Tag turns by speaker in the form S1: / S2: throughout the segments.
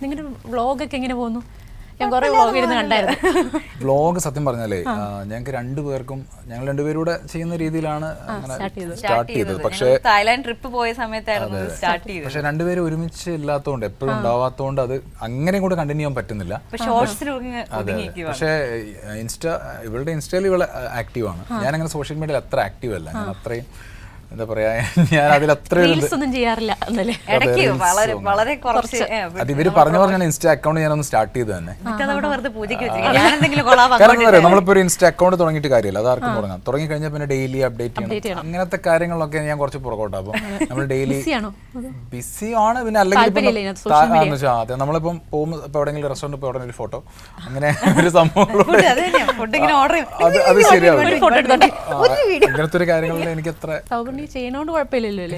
S1: നിങ്ങളുടെ വ്ളോഗൊക്കെ എങ്ങനെ പോകുന്നു? ഞാൻ കുറെ വ്ളോഗ് ഇരുന്ന് കണ്ടായിരുന്നു.
S2: വ്ളോഗ് സത്യം പറഞ്ഞാലേ ഞങ്ങൾക്ക് രണ്ടുപേർക്കും ഞങ്ങൾ രണ്ടുപേരൂടെ ചെയ്യുന്ന രീതിയിലാണ് സ്റ്റാർട്ട് ചെയ്തത്. പക്ഷേ
S3: തായ്ലാൻഡ് ട്രിപ്പ് പോയ സമയത്തായിരുന്നു സ്റ്റാർട്ട് ചെയ്തത്.
S2: പക്ഷെ രണ്ടുപേരും ഒരുമിച്ച് ഇല്ലാത്തതുകൊണ്ട് എപ്പോഴും ഉണ്ടാവാത്തതുകൊണ്ട് അത് അങ്ങനെ കൂടെ കണ്ടിന്യൂ ചെയ്യാൻ പറ്റുന്നില്ല. അതെ, പക്ഷേ ഇവളുടെ ഇൻസ്റ്റയിൽ ഇവള് ആക്റ്റീവാണ്. ഞാനങ്ങനെ സോഷ്യൽ മീഡിയയിൽ അത്ര ആക്റ്റീവ് അല്ല. ഞാൻ അത്രയും എന്താ പറയാ, ഞാൻ അതിൽ അത്ര
S1: ചെയ്യാറില്ല.
S2: അത് ഇവര് പറഞ്ഞാണ് ഇൻസ്റ്റ അക്കൗണ്ട് ഞാനൊന്ന് സ്റ്റാർട്ട് ചെയ്ത് തന്നെ. നമ്മളിപ്പോ ഒരു ഇൻസ്റ്റ അക്കൗണ്ട് തുടങ്ങിയിട്ട് കാര്യമില്ല, അത് ആർക്കും തുടങ്ങാം. തുടങ്ങി കഴിഞ്ഞാൽ പിന്നെ ഡെയിലി അപ്ഡേറ്റ് ചെയ്യണം. അങ്ങനത്തെ കാര്യങ്ങളൊക്കെ ഞാൻ കുറച്ച് പുറകോട്ടാ. അപ്പൊ നമ്മൾ ഡെയിലി ബിസി ആണ്. പിന്നെ അല്ലെങ്കിൽ അതെ, നമ്മളിപ്പം പോകുമ്പോൾ ഇപ്പൊ എവിടെയെങ്കിലും റെസ്റ്റോറന്റ് പോയി ഉടനെ ഒരു ഫോട്ടോ, അങ്ങനെ ഒരു സംഭവം അത് ശരിയാവും. അങ്ങനത്തെ ഒരു കാര്യങ്ങളിൽ എനിക്ക് അത്ര
S1: ചെയ്യണോണ്ട് കുഴപ്പമില്ലല്ലോ.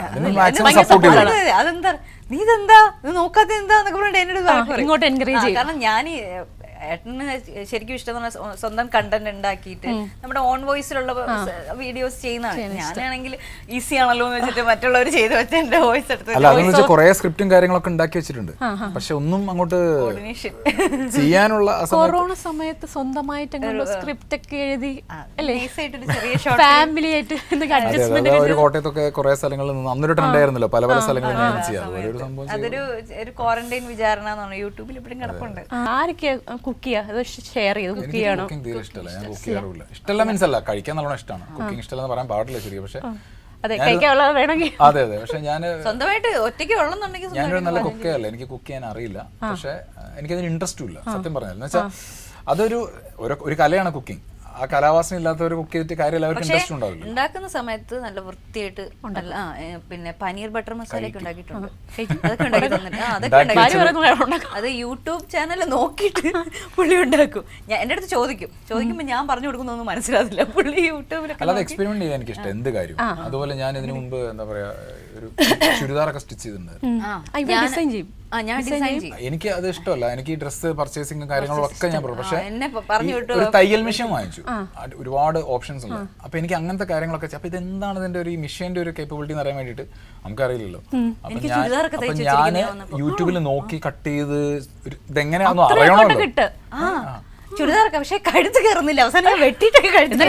S3: അതെന്താ നീ ഇതെന്താ നോക്കാത്ത എന്താ
S1: ഇങ്ങോട്ട് എൻകറേജ് ചെയ്യും.
S3: കാരണം ഞാൻ ഏട്ടന് ശരിക്കും ഇഷ്ടം സ്വന്തം കണ്ടന്റ് ഉണ്ടാക്കിയിട്ട് നമ്മുടെ ഓൺ വോയിസിലുള്ള വീഡിയോസ് ചെയ്യുന്നതാണ്. ഞാനാണെങ്കിൽ ഈസി ആണല്ലോ എന്ന് വെച്ചിട്ട് മറ്റുള്ളവർ ചെയ്ത് വെച്ച എന്റെ വോയിസ് എടുത്ത്
S2: കുറെ സ്ക്രിപ്റ്റും കാര്യങ്ങളൊക്കെ ഉണ്ടാക്കി വെച്ചിട്ടുണ്ട്. പക്ഷെ ഒന്നും അങ്ങോട്ട് ചെയ്യാനുള്ള
S1: കൊറോണ സമയത്ത് സ്വന്തമായിട്ട് സ്ക്രിപ്റ്റ് ഒക്കെ എഴുതി ഫാമിലി ആയിട്ട്
S2: ഒരു കോട്ടയത്തൊക്കെ കുറെ സ്ഥലങ്ങളിൽ നിന്ന് അന്നൊരു ട്രെൻഡ് ആയിരുന്നല്ലോ, പല പല സ്ഥലങ്ങളിൽ
S3: അതൊരു ക്വാറന്റൈൻ വിചാരണ എന്നാണ് യൂട്യൂബിൽ ഇപ്പോഴും കിടപ്പുണ്ട്.
S1: ആരൊക്കെയാ കുക്ക് ചെയ്യുക? ഷെയർ ചെയ്ത് കുക്ക് ചെയ്യണോ?
S2: ഇഷ്ടമല്ല മീൻസ് അല്ല, കഴിക്കാൻ നല്ലോണം ഇഷ്ടമാണ്. കുക്കിംഗ് ഇഷ്ടമല്ലെന്ന് പറയാൻ പാടില്ല ശരിക്കും. പക്ഷെ
S1: അതെ,
S2: അതെ പക്ഷെ ഞാൻ
S3: സ്വന്തമായിട്ട് ഒറ്റയ്ക്ക് ഉള്ളെന്നുണ്ടെങ്കിൽ
S2: ഞാനൊരു നല്ല കുക്കല്ല, എനിക്ക് കുക്ക് ചെയ്യാൻ അറിയില്ല. പക്ഷെ എനിക്കതിന് ഇൻട്രസ്റ്റും ഇല്ല സത്യം പറഞ്ഞാൽ. എന്ന് വെച്ചാൽ അതൊരു കലയാണ് കുക്കിംഗ്. ആ കലാവാസന ഇല്ലാത്തവർ കുക്ക് ചെയ്തിട്ട് കാര്യമില്ല, അവർക്ക് ഇൻട്രസ്റ്റ് ഉണ്ടാവില്ല.
S3: ഉണ്ടാക്കുന്ന സമയത്ത് നല്ല വൃത്തിയായിട്ട് പിന്നെ പനീർ ബട്ടർ മസാല ഒക്കെ ഉണ്ടാക്കിയിട്ടുണ്ട്. അതൊക്കെ ഉണ്ടാക്കി തന്നിട്ട് അത് യൂട്യൂബ് ചാനൽ നോക്കിയിട്ട് പുള്ളി ഉണ്ടാക്കും. ഞാൻ എന്റെ അടുത്ത് ചോദിക്കുമ്പോൾ ഞാൻ പറഞ്ഞു കൊടുക്കുന്നൊന്നും മനസ്സിലാവില്ല. പുള്ളി യൂട്യൂബിലൊക്കെ
S2: അല്ലാതെ എക്സ്പെരിമെന്റ് ചെയ്യാൻ എനിക്ക് ഇഷ്ടം, എന്ത് കാര്യം. അതുപോലെ ഞാൻ ഇതിനു മുമ്പ് എന്താ പറയാ ഒരു ചുരിദാറൊക്കെ സ്റ്റിച്ച് ചെയ്തിട്ടുണ്ട്. എനിക്ക് അത് ഇഷ്ടമല്ല. എനിക്ക് ഈ ഡ്രസ്സ് പർച്ചേസിംഗ് കാര്യങ്ങളും ഒക്കെ ഞാൻ പറഞ്ഞു. പക്ഷെ ഒരു തയ്യൽ മെഷീൻ വാങ്ങിച്ചു, ഒരുപാട് ഓപ്ഷൻസ് ഉണ്ട്. അപ്പൊ എനിക്ക് അങ്ങനത്തെ കാര്യങ്ങളൊക്കെ. അപ്പൊ ഇതെന്താണ് ഇതിന്റെ ഒരു മെഷീന്റെ ഒരു കേപ്പബിലിറ്റി എന്ന് അറിയാൻ വേണ്ടിട്ട് നമുക്കറിയില്ലല്ലോ. അപ്പൊ ഞാൻ യൂട്യൂബിൽ നോക്കി കട്ട് ചെയ്ത് ഇതെങ്ങനെയാണെന്ന് അറിയണമല്ലോ.
S3: ചുരിദാറൊക്കെ പക്ഷെ കഴുത്ത് കയറുന്നില്ല. അവസാനം വെട്ടിട്ടൊക്കെ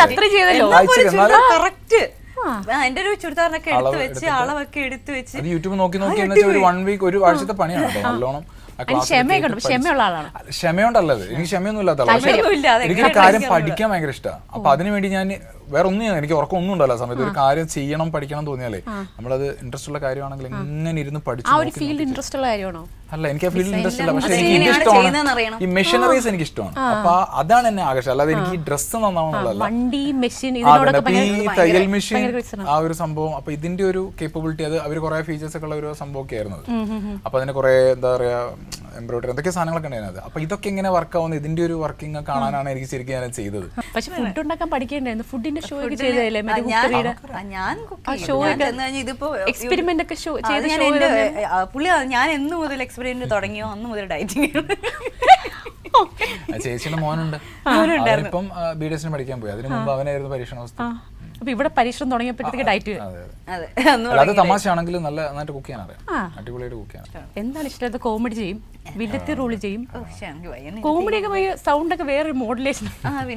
S3: കറക്റ്റ് എന്റെ ഒരു ചുരിദാറിനൊക്കെ എടുത്ത് വെച്ച് അളവൊക്കെ എടുത്ത് വെച്ച്
S2: യൂട്യൂബ് നോക്കി ഒരു 1 വീക്ക് ഒരു ആഴ്ചത്തെ പണിയാണ് നല്ലോണം. ക്ഷമയുണ്ടല്ലത്, എനിക്ക് ക്ഷമയൊന്നും ഇല്ലാത്ത ആളാണ്. എനിക്ക് കാര്യം പഠിക്കാൻ ഭയങ്കര ഇഷ്ടമാണ്. അപ്പൊ അതിനുവേണ്ടി ഞാൻ വേറെ ഒന്നും എനിക്ക് ഉറക്കം ഒന്നും ഉണ്ടല്ലോ സമയത്ത്. ഒരു കാര്യം ചെയ്യണം പഠിക്കണം തോന്നിയാലേ നമ്മളത് ഇൻട്രസ്റ്റ് ഉള്ള കാര്യമാണെങ്കിൽ എങ്ങനെ ഇരുന്ന് പഠിച്ചു. അല്ല, എനിക്ക് ആ ഫീൽഡ് ഇൻട്രസ്റ്റ് ഇല്ല. പക്ഷെ എനിക്ക് ഇഷ്ടമാണ് ഈ മെഷീനറീസ്, എനിക്ക് ഇഷ്ടമാണ്. അപ്പൊ അതാണ് എന്നെ ആകർഷം. അല്ലാതെ എനിക്ക് ഈ ഡ്രസ്സ് നന്നാവണമെന്നുള്ളതല്ല. ഈ തയ്യൽ മെഷീൻ ആ ഒരു സംഭവം. അപ്പൊ ഇതിന്റെ ഒരു കേപ്പബിലിറ്റി, അത് അവർ കുറെ ഫീച്ചേഴ്സ് ഒക്കെ ഉള്ള ഒരു സംഭവമൊക്കെ ആയിരുന്നു. അപ്പൊ അതിന് കുറെ എന്താ പറയാ എംബ്രോയിഡറി എന്തൊക്കെ സാധനങ്ങളൊക്കെ ഉണ്ടായിരുന്നത്. അപ്പൊ ഇതൊക്കെ എങ്ങനെ വർക്ക് ആവുന്നത്, ഇതിന്റെ ഒരു വർക്കിംഗ് കാണാനാണ് എനിക്ക് ശരിക്കും ഞാൻ ചെയ്തത്.
S1: പക്ഷെ ഫുഡ് ഉണ്ടാക്കാൻ പഠിക്കേണ്ടായിരുന്നു. ഫുഡിന്റെ ഷോ ഒക്കെ
S3: പുള്ളി ഞാൻ എന്ന് മുതൽ എക്സ്പെരിമെന്റ് തുടങ്ങിയോ അന്ന് മുതൽ ഡയറ്റിംഗ്.
S2: ചേച്ചിയുടെ മോനുണ്ട്, ഇപ്പം BDS പഠിക്കാൻ പോയി. അതിന് മുമ്പ് അവനായിരുന്നു പരീക്ഷണാവസ്ഥ.
S1: അപ്പൊ ഇവിടെ പരീക്ഷണം തുടങ്ങിയപ്പോഴത്തേക്ക് ഡയറ്റ്.
S2: അത് തമാശയാണെങ്കിലും നല്ല നന്നായിട്ട് കുക്ക് ചെയ്യാൻ അറിയാം, അടിപൊളിയായിട്ട് കുക്ക് ചെയ്യാൻ.
S1: എന്താണ് ഇഷ്ടം? കോമഡി ചെയ്യും, വില്ലത്തി റോള് ചെയ്യും. കോമഡിയൊക്കെ സൗണ്ട് ഒക്കെ വേറെ മോഡുലേഷൻ.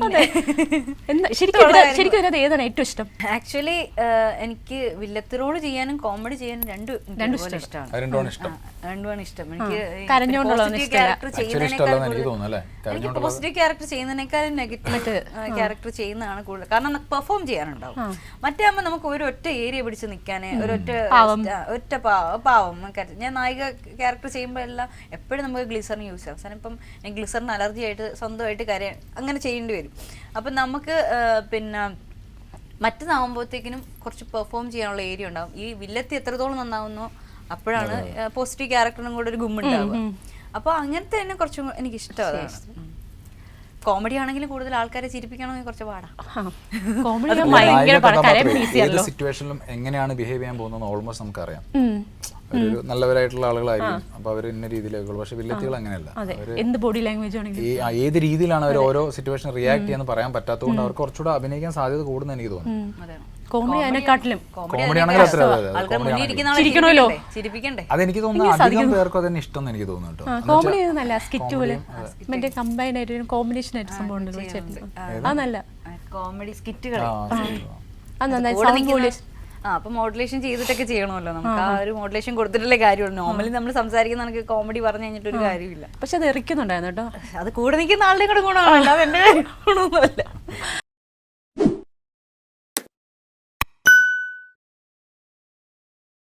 S1: ശരിക്കും ഏതാണ് ഏറ്റവും ഇഷ്ടം?
S3: ആക്ച്വലി എനിക്ക് വില്ലത്തി റോള് ചെയ്യാനും കോമഡി ചെയ്യാനും രണ്ടും ഇഷ്ടമാണ്. രണ്ടുമാണ് ഇഷ്ടം. എനിക്ക് പോസിറ്റീവ് ക്യാരക്ടർ ചെയ്യുന്നതിനേക്കാളും നെഗറ്റീവ് ക്യാരക്ടർ ചെയ്യുന്നതാണ് കൂടുതൽ. കാരണം പെർഫോം ചെയ്യാനുണ്ടാവും. മറ്റേ ആകുമ്പോൾ നമുക്ക് ഒരു ഒറ്റ ഏരിയ പിടിച്ച് നിൽക്കാന് ഒറ്റ പാവം. ഞാൻ നായിക ക്യാരക്ടർ ചെയ്യുമ്പോൾ എല്ലാം എപ്പോഴും നമുക്ക് ഗ്ലിസറിന് യൂസ് ചെയ്യാം. അവസാനം ഇപ്പം ഗ്ലിസറിന് അലർജി ആയിട്ട് സ്വന്തമായിട്ട് കാര്യം അങ്ങനെ ചെയ്യേണ്ടി വരും. അപ്പം നമുക്ക് പിന്നെ മറ്റന്നാകുമ്പോഴത്തേക്കിനും കുറച്ച് പെർഫോം ചെയ്യാനുള്ള ഏരിയ ഉണ്ടാവും. ഈ വില്ലത്തി എത്രത്തോളം നന്നാവുന്നോ അപ്പോഴാണ് പോസിറ്റീവ് ക്യാരക്ടറിനും കൂടെ ഒരു ഗുമ്മുണ്ടാവുക. അപ്പോൾ അങ്ങനത്തെ തന്നെ കുറച്ചും എനിക്ക് ഇഷ്ടമാണ്. കോമഡി ആണെങ്കിലും കൂടുതൽ ആൾക്കാരെ ചിരിപ്പിക്കണമെങ്കിൽ കുറച്ച് പാടാം.
S2: സിറ്റുവേഷനിലും എങ്ങനെയാണ് ബിഹേവ് ചെയ്യാൻ പോകുന്നത് ഓൾമോസ്റ്റ് നമുക്കറിയാം. ഒരു നല്ലവരായിട്ടുള്ള ആളുകളായിരിക്കും. അപ്പൊ അവർ ഇന്ന രീതിയിലേക്കുള്ളൂ. പക്ഷെ വില്ലത്തികൾ അങ്ങനെയല്ല. ഏത് രീതിയിലാണ് അവർ ഓരോ സിറ്റുവേഷൻ റിയാക്ട് ചെയ്യാന്ന് പറയാൻ പറ്റാത്തതുകൊണ്ട് അവർക്ക് കുറച്ചുകൂടെ അഭിനയിക്കാൻ സാധ്യത കൂടുന്ന എനിക്ക് തോന്നുന്നു.
S1: കോമഡി അതിനെക്കാട്ടിലും
S2: കോമഡി ആണെങ്കിൽ അത്ര
S3: ആൾക്കാർ മുന്നിൽ ഇരിക്കുന്ന ആളെ
S1: ചിരിക്കണമല്ലോ.
S3: ചിരിപ്പിക്കണ്ടേ?
S2: അതെനിക്ക് തോന്നുന്നു അധികം പേർക്കും തന്നെ ഇഷ്ടം എന്ന് എനിക്ക് തോന്നുന്നു കേട്ടോ.
S1: കോമഡി നല്ല സ്കിറ്റ് പോലെ മറ്റേ കമ്പൈൻ ആയിട്ട് കോമ്പിനേഷൻ ആയിട്ട് സംഭവം ഉണ്ട് ചേട്ടൻ. അത് നല്ല
S3: കോമഡി സ്കിറ്റുകൾ
S1: അത് നന്നായി സൗണ്ട് പോലെ.
S3: അപ്പൊ മോഡുലേഷൻ ചെയ്തിട്ടൊക്കെ ചെയ്യണമല്ലോ നമുക്ക്. ആ ഒരു മോഡുലേഷൻ കൊടുത്തിട്ടുള്ള കാര്യമുള്ളൂ. നോർമലി നമ്മൾ സംസാരിക്കുന്ന നമുക്ക് കോമഡി പറഞ്ഞു കഴിഞ്ഞിട്ട് ഒരു കാര്യമില്ല.
S1: പക്ഷെ അത് എറിക്കുന്നുണ്ടായിരുന്നു കേട്ടോ.
S3: അത് കൂടെ നിൽക്കുന്ന ആളുടെ കൂടെ ഗുണമാണ്, അല്ലാതെ എന്റെ ഗുണമൊന്നുമല്ല.